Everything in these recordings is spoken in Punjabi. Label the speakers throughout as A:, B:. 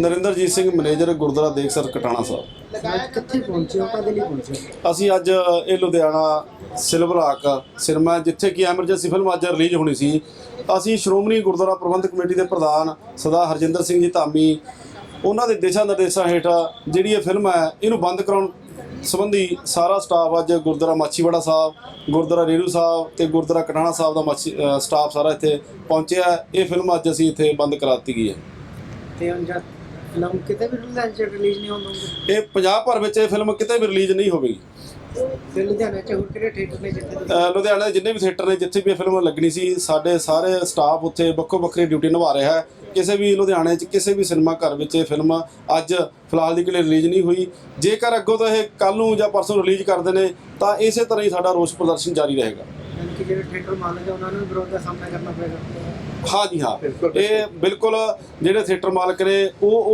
A: ਨਰਿੰਦਰਜੀਤ ਸਿੰਘ ਮੈਨੇਜਰ ਗੁਰਦੁਆਰਾ ਦੇਖਸਰ ਕਟਾਣਾ ਸਾਹਿਬ।
B: ਕਿੱਥੇ ਪਹੁੰਚੇ ਹੋ, ਕਦੇ ਲਈ ਪਹੁੰਚੇ?
A: ਅਸੀਂ ਅੱਜ ਇਹ ਲੁਧਿਆਣਾ ਸਿਲਵਰ ਹਾਕ ਸਿਨੇਮਾ, ਜਿੱਥੇ ਕਿ ਐਮਰਜੈਂਸੀ ਫਿਲਮ ਅੱਜ ਰਿਲੀਜ਼ ਹੋਣੀ ਸੀ, ਅਸੀਂ ਸ਼੍ਰੋਮਣੀ ਗੁਰਦੁਆਰਾ ਪ੍ਰਬੰਧਕ ਕਮੇਟੀ ਦੇ ਪ੍ਰਧਾਨ ਸਰਦਾਰ ਹਰਜਿੰਦਰ ਸਿੰਘ ਜੀ ਧਾਮੀ, ਉਹਨਾਂ ਦੇ ਦਿਸ਼ਾ ਨਿਰਦੇਸ਼ਾਂ ਹੇਠ ਜਿਹੜੀ ਇਹ ਫਿਲਮ ਹੈ ਇਹਨੂੰ ਬੰਦ ਕਰਾਉਣ ਸੰਬੰਧੀ ਸਾਰਾ ਸਟਾਫ ਅੱਜ ਗੁਰਦੁਆਰਾ ਮਾਛੀਵਾੜਾ ਸਾਹਿਬ, ਗੁਰਦੁਆਰਾ ਰੇਰੂ ਸਾਹਿਬ ਤੇ ਗੁਰਦੁਆਰਾ ਕਟਾਣਾ ਸਾਹਿਬ ਦਾ ਸਟਾਫ ਸਾਰਾ ਇੱਥੇ ਪਹੁੰਚਿਆ। ਇਹ ਫਿਲਮ ਅੱਜ ਅਸੀਂ ਇੱਥੇ ਬੰਦ ਕਰਾ ਦਿੱਤੀ ਗਈ ਹੈ।
B: ਤੇ ਅੰਜਾ ਫਿਲਮ ਕਿਤੇ ਵੀ ਰਿਲੀਜ਼ ਨਹੀਂ ਹੋਣੀ?
A: ਇਹ ਪੰਜਾਬ ਭਰ ਵਿੱਚ ਇਹ ਫਿਲਮ ਕਿਤੇ ਵੀ ਰਿਲੀਜ਼ ਨਹੀਂ ਹੋਵੇਗੀ।
B: ਤੇ ਲੁਧਿਆਣਾ ਚ ਹੋਰ ਕਿਹੜੇ ਥੀਏਟਰ ਨੇ ਜਿੱਥੇ
A: ਲੁਧਿਆਣਾ ਦੇ ਜਿੰਨੇ ਵੀ ਥੀਏਟਰ ਨੇ ਜਿੱਥੇ ਵੀ ਇਹ ਫਿਲਮ ਲੱਗਣੀ ਸੀ, ਸਾਡੇ ਸਾਰੇ ਸਟਾਫ ਉੱਥੇ ਵੱਖੋ ਵੱਖਰੀ ਡਿਊਟੀ ਨਿਭਾ ਰਿਹਾ ਹੈ। ਕਿਸੇ ਵੀ ਲੁਧਿਆਣੇ 'ਚ ਕਿਸੇ ਵੀ ਸਿਨੇਮਾ ਘਰ ਵਿੱਚ ਇਹ ਫਿਲਮ ਅੱਜ ਫਿਲਹਾਲ ਦੀ ਲਈ ਰਿਲੀਜ਼ ਨਹੀਂ ਹੋਈ। ਜੇਕਰ ਅੱਗੋਂ ਤੋਂ ਇਹ ਕੱਲ੍ਹ ਨੂੰ ਜਾਂ ਪਰਸੋਂ ਰਿਲੀਜ਼ ਕਰਦੇ ਨੇ ਤਾਂ ਇਸੇ ਤਰ੍ਹਾਂ ਹੀ ਸਾਡਾ ਰੋਸ ਪ੍ਰਦਰਸ਼ਨ ਜਾਰੀ ਰਹੇਗਾ।
B: ਕਿ ਜਿਹੜੇ ਥੀਏਟਰ ਮਾਲਕ ਹੈ ਉਹਨਾਂ ਨੂੰ ਵਿਰੋਧ ਦਾ ਸਾਹਮਣਾ ਕਰਨਾ ਪਏਗਾ।
A: ਹਾਂ ਜੀ ਹਾਂ, ਇਹ ਬਿਲਕੁਲ ਜਿਹੜੇ ਥੀਏਟਰ ਮਾਲਕ ਨੇ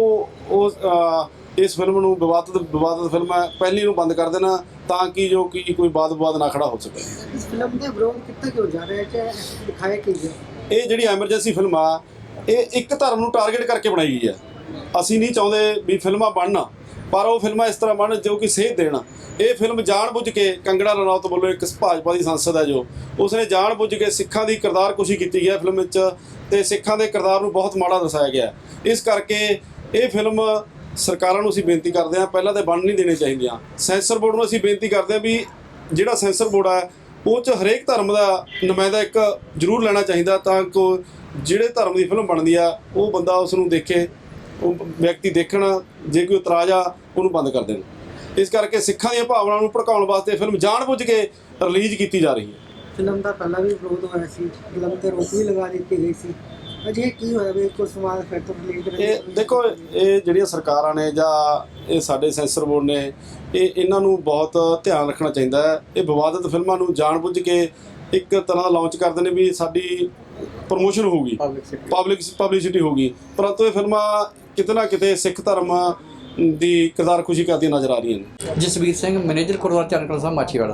A: ਉਹ ਇਸ ਫਿਲਮ ਨੂੰ ਵਿਵਾਦਤ ਫਿਲਮ ਹੈ, ਪਹਿਲੀ ਨੂੰ ਬੰਦ ਕਰ ਦੇਣਾ ਤਾਂ ਕਿ ਜੋ ਕਿ ਕੋਈ ਵਿਵਾਦ ਨਾ ਖੜਾ ਹੋ ਸਕੇ।
B: ਇਸ ਫਿਲਮ ਦੇ ਵਿਰੋਧ ਕਿੱਥੇ ਕਿਉਂ ਜਾ ਰਿਹਾ ਹੈ, ਦਿਖਾਇਆ ਕੀ ਹੈ? ਇਹ
A: ਜਿਹੜੀ ਐਮਰਜੈਂਸੀ ਫਿਲਮ ਆ ਇਹ ਇੱਕ ਧਰਮ ਨੂੰ ਟਾਰਗੇਟ ਕਰਕੇ ਬਣਾਈ ਗਈ ਹੈ। ਅਸੀਂ ਨਹੀਂ ਚਾਹੁੰਦੇ ਵੀ ਫਿਲਮਾਂ ਬਣਨ, ਪਰ ਉਹ ਫਿਲਮਾਂ ਇਸ ਤਰ੍ਹਾਂ ਬਣਨ ਜੋ ਕਿ ਸੇਧ ਦੇਣ। ਇਹ ਫਿਲਮ ਜਾਣਬੁੱਝ ਕੇ ਕੰਗਣਾ ਰਣੌਤ ਵੱਲੋਂ ਇੱਕ ਭਾਜਪਾ ਦੀ ਸੰਸਦ ਹੈ ਜੋ ਉਸਨੇ ਜਾਣਬੁੱਝ ਕੇ ਸਿੱਖਾਂ ਦੀ ਕਿਰਦਾਰਕੁਸ਼ੀ ਕੀਤੀ ਹੈ ਫਿਲਮ ਵਿੱਚ, ਤੇ ਸਿੱਖਾਂ ਦੇ ਕਿਰਦਾਰ ਨੂੰ ਬਹੁਤ ਮਾੜਾ ਦਰਸਾਇਆ ਗਿਆ। ਇਸ ਕਰਕੇ ਇਹ ਫਿਲਮ ਸਰਕਾਰਾਂ ਨੂੰ ਅਸੀਂ ਬੇਨਤੀ ਕਰਦੇ ਹਾਂ, ਪਹਿਲਾਂ ਤਾਂ ਬਣ ਨਹੀਂ ਦੇਣੀ ਚਾਹੀਦੀਆਂ। ਸੈਂਸਰ ਬੋਰਡ ਨੂੰ ਅਸੀਂ ਬੇਨਤੀ ਕਰਦੇ ਹਾਂ ਵੀ ਜਿਹੜਾ ਸੈਂਸਰ ਬੋਰਡ ਹੈ ਉਹ 'ਚ ਹਰੇਕ ਧਰਮ ਦਾ ਨੁਮਾਇੰਦਾ ਇੱਕ ਜ਼ਰੂਰ ਲੈਣਾ ਚਾਹੀਦਾ, ਤਾਂ ਕਿ ਜਿਹੜੇ ਧਰਮ ਦੀ ਫਿਲਮ ਬਣਦੀ ਆ ਉਹ ਬੰਦਾ ਉਸ ਨੂੰ ਦੇਖੇ, ਉਹ ਵਿਅਕਤੀ ਦੇਖਣ, ਜੇ ਕੋਈ ਇਤਰਾਜ਼ ਆ ਉਹਨੂੰ ਬੰਦ ਕਰ ਦੇਣ। ਇਸ ਕਰਕੇ ਸਿੱਖਾਂ ਦੀਆਂ ਭਾਵਨਾਵਾਂ ਨੂੰ ਭੜਕਾਉਣ ਵਾਸਤੇ ਫਿਲਮ ਜਾਣਬੁੱਝ ਕੇ ਰਿਲੀਜ਼ ਕੀਤੀ ਜਾ ਰਹੀ ਹੈ।
B: ਫਿਲਮ ਦਾ ਪਹਿਲਾਂ ਵੀ ਵਿਰੋਧ ਹੋਇਆ ਸੀ, ਫਿਲਮ ਤੇ ਰੋਕ ਵੀ ਲਗਾ ਦਿੱਤੀ ਗਈ ਸੀ। ਅਜੇ ਕੀ ਹੋਇਆ ਵੀ ਕੋਈ ਸਮਾਜ ਫਿਰ ਤੋਂ ਰਿਲੀਜ਼ ਕਰੇ?
A: ਇਹ ਦੇਖੋ, ਇਹ ਜਿਹੜੀਆਂ ਸਰਕਾਰਾਂ ਨੇ ਜਾਂ ਇਹ ਸਾਡੇ ਸੈਂਸਰ ਬੋਰਡ ਨੇ, ਇਹਨਾਂ ਨੂੰ ਬਹੁਤ ਧਿਆਨ ਰੱਖਣਾ ਚਾਹੀਦਾ ਹੈ। ਇਹ ਵਿਵਾਦਤ ਫਿਲਮਾਂ ਨੂੰ ਜਾਣਬੁੱਝ ਕੇ ਇੱਕ ਤਰ੍ਹਾਂ ਦਾ ਲਾਂਚ ਕਰਦੇ ਨੇ ਵੀ ਸਾਡੀ ਪ੍ਰਮੋਸ਼ਨ ਹੋਊਗੀ, ਪਬਲਿਸਿਟੀ ਹੋਊਗੀ, ਪਰੰਤੂ ਇਹ ਫਿਲਮਾਂ ਕਿਤੇ ਨਾ ਕਿਤੇ ਸਿੱਖ ਧਰਮ ਦੀ ਕਿਰਦਾਰਕੁਸ਼ੀ ਕਰਦੀਆਂ ਨਜ਼ਰ ਆ ਰਹੀਆਂ ਨੇ।
C: ਜਸਵੀਰ ਸਿੰਘ ਮੈਨੇਜਰ ਗੁਰਦੁਆਰਾ ਚਰਨਕਲਾਂ ਸਾਹਿਬ ਮਾਛੀਵਾੜਾ।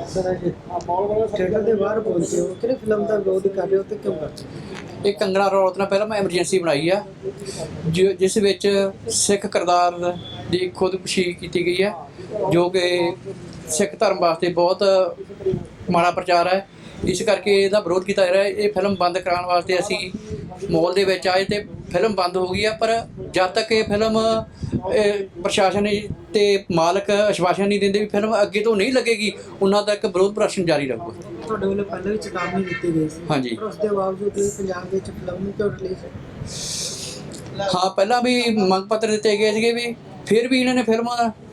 B: ਥੀਏਟਰ ਦੇ ਬਾਹਰ ਪਹੁੰਚੇ ਹੋ, ਕਿਹੜੇ ਫਿਲਮ ਦਾ ਵਿਰੋਧ ਕਰ ਰਹੇ ਹੋ ਤੇ ਕਿਉਂ ਕਰਦੇ?
C: ਇਹ ਕੰਗਣਾ ਰਣੌਤ ਨਾਲ ਪਹਿਲਾਂ ਮੈਂ ਐਮਰਜੈਂਸੀ ਬਣਾਈ ਆ, ਜਿਸ ਵਿੱਚ ਸਿੱਖ ਕਿਰਦਾਰ ਦੀ ਖੁਦਕੁਸ਼ੀ ਕੀਤੀ ਗਈ ਹੈ, ਜੋ ਕਿ ਸਿੱਖ ਧਰਮ ਵਾਸਤੇ ਬਹੁਤ ਮਾੜਾ ਪ੍ਰਚਾਰ ਹੈ। ਇਸ ਕਰਕੇ ਇਹਦਾ ਵਿਰੋਧ ਕੀਤਾ ਜਾ ਰਿਹਾ ਹੈ। ਇਹ ਫਿਲਮ ਬੰਦ ਕਰਾਉਣ ਵਾਸਤੇ ਅਸੀਂ ਮੌਲ ਦੇ ਵਿੱਚ ਆਏ ਤੇ ਫਿਲਮ ਬੰਦ ਹੋ ਗਈ ਆ, ਪਰ ਜਦ ਤੱਕ ਇਹ ਫਿਲਮ ਪ੍ਰਸ਼ਾਸਨ ਤੇ ਮਾਲਕ ਆਸ਼ਵਾਸਨ ਨਹੀਂ ਦਿੰਦੇ ਵੀ ਫਿਲਮ ਅੱਗੇ ਤੋਂ ਨਹੀਂ ਲੱਗੇਗੀ, ਉਹਨਾਂ ਤੱਕ ਵਿਰੋਧ ਪ੍ਰਦਰਸ਼ਨ ਜਾਰੀ ਰਹੂਗਾ।
B: ਤੁਹਾਡੇ ਵੱਲੋਂ ਪਹਿਲਾਂ ਵੀ ਚੇਤਾਵਨੀ ਦਿੱਤੀ ਗਈ ਸੀ,
C: ਹਾਂਜੀ,
B: ਪਰ ਉਸ ਦੇ ਬਾਵਜੂਦ ਵੀ ਪੰਜਾਬ ਵਿੱਚ ਫਿਲਮ ਨੂੰ ਕਿਉਂ ਰਿਲੀਜ਼?
C: ਹਾਂ, ਪਹਿਲਾਂ ਵੀ ਮੰਗ ਪੱਤਰ ਦਿੱਤੇ ਗਏ ਸੀਗੇ ਵੀ ਫਿਰ ਵੀ ਇਹਨਾਂ ਨੇ ਫਿਲਮ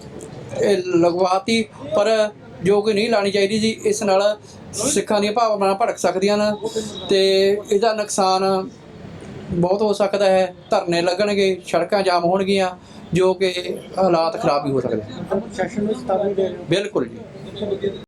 C: ਲਗਵਾਤੀ, ਪਰ ਜੋ ਕਿ ਨਹੀਂ ਲਾਣੀ ਚਾਹੀਦੀ ਸੀ। ਇਸ ਨਾਲ ਸਿੱਖਾਂ ਦੀਆਂ ਭਾਵਨਾਵਾਂ ਭੜਕ ਸਕਦੀਆਂ ਨੇ ਤੇ ਇਹਦਾ ਨੁਕਸਾਨ ਬਹੁਤ ਹੋ ਸਕਦਾ ਹੈ। ਧਰਨੇ ਲੱਗਣਗੇ, ਸੜਕਾਂ ਜਾਮ ਹੋਣਗੀਆਂ, ਜੋ ਕਿ ਹਾਲਾਤ ਖਰਾਬ ਵੀ ਹੋ ਸਕਦੇ।
B: ਪ੍ਰਸ਼ਾਸਨ ਨੂੰ ਚੇਤਾਵਨੀ ਦੇ ਰਹੇ ਹੋ?
C: ਬਿਲਕੁਲ ਜੀ।